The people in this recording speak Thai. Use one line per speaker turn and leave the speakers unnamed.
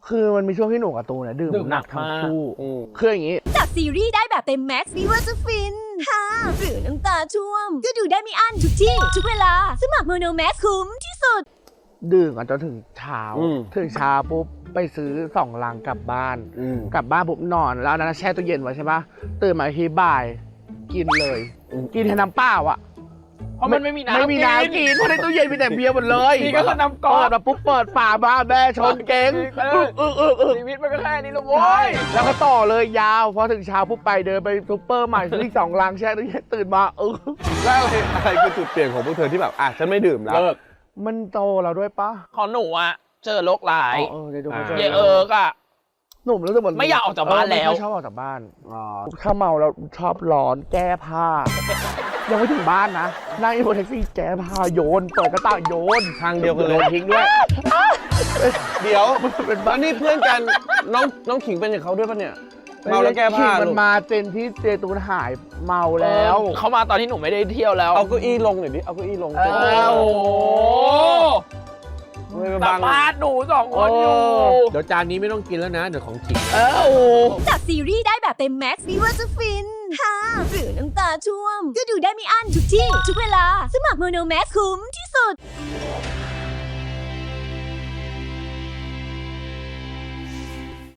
คือมันมีช่วงที่หนูกับตูนเนี่ยดื่มหนักทั้งคู่คืออย่างนี้
จากซีรีส์ได้แบบเต็มแม็กซ์ไม่ว่าจะฟินฮ่าหรือน้ำตาช่วมก็ดูได้ไม่อั้นทุกที่ทุกเวลาสมัครโมโนแม็กซ์คุ้มที่สุด
ดื่มกันจนถึงเช้าถึงเช้าปุ๊บไปซื้อ2 ลังกลับบ้านกลับบ้านปุ๊บนอนแล้วนั้นแช่ตู้เย็นไว้ใช่ปะตื่นมาทีบ่ายกินเลยกินแทนน้ำเปล่าอ่ะ
เพราะมันไม่มีน้ำ
กินเพราะในตู้เย็นมีแต่เบียร์หมดเลย
นี่ก็คือน้ำก๊อก
มาปุ๊บเปิดฝาบ้าแม่ชนเก่ง
ชีวิตมันก็แค่นี้ละโว้ย
แล้วก็ต่อเลยยาวพอถึงเช้าปุ๊บไปเดินไปซุปเปอร์ใหม่ซื้ออีก2 ลังแช่ตู้เย็นตื่นมา
แล้วอะไรคือจุดเปลี่ยนของพวกเธอที่แบบฉันไม่ดื่มแล้ว
มันโตเราด้วยปะ
ของหนูอะเจอโรคร้าย
เดี๋ยวดู
เยอะอะ
หนุ่มรู้สึกเหมือน
ไม่อยากออกจากบ้านแล้ว
ไม่ชอบออกจากบ้านถ้าเมาแล้วชอบร้อนแก้ผ้ายังไม่ถึงบ้านนะนั่งอยู่บนแท็กซี่แก้ผ้าโยนเปิดกระต่างโยน
ทางเดียวกันเลย
ทิ้งด้วย
เดี๋ยวเป็นบ้านนี่เพื่อนกันน้องขิงเป็นอย่างเขาด้วยปะเนี่ยเมาแล้วแก้ผ้า
มันมาเจนที่เจตูนหายเมาแล้ว
เขามาตอนที่หนูไม่ได้เที่ยวแล้ว
เอาเก้าอี้ลงหน่อยดิเอาเก้าอี้ลง
โอ้สัมภาษณ์หนู2 คนอยู่
เดี๋ยวจานนี้ไม่ต้องกินแล้วนะเดี๋ยวของขิง
จากซีรีส์ได้แบบเต็มแม็กซ์ไม่ว่าจะฟินฮ่าหรือน้ำตาช่วมก็ดูได้ไม่อั้นทุกที่ทุกเวลาสมัครโมโนแม็กซ์คุ้มที่สุด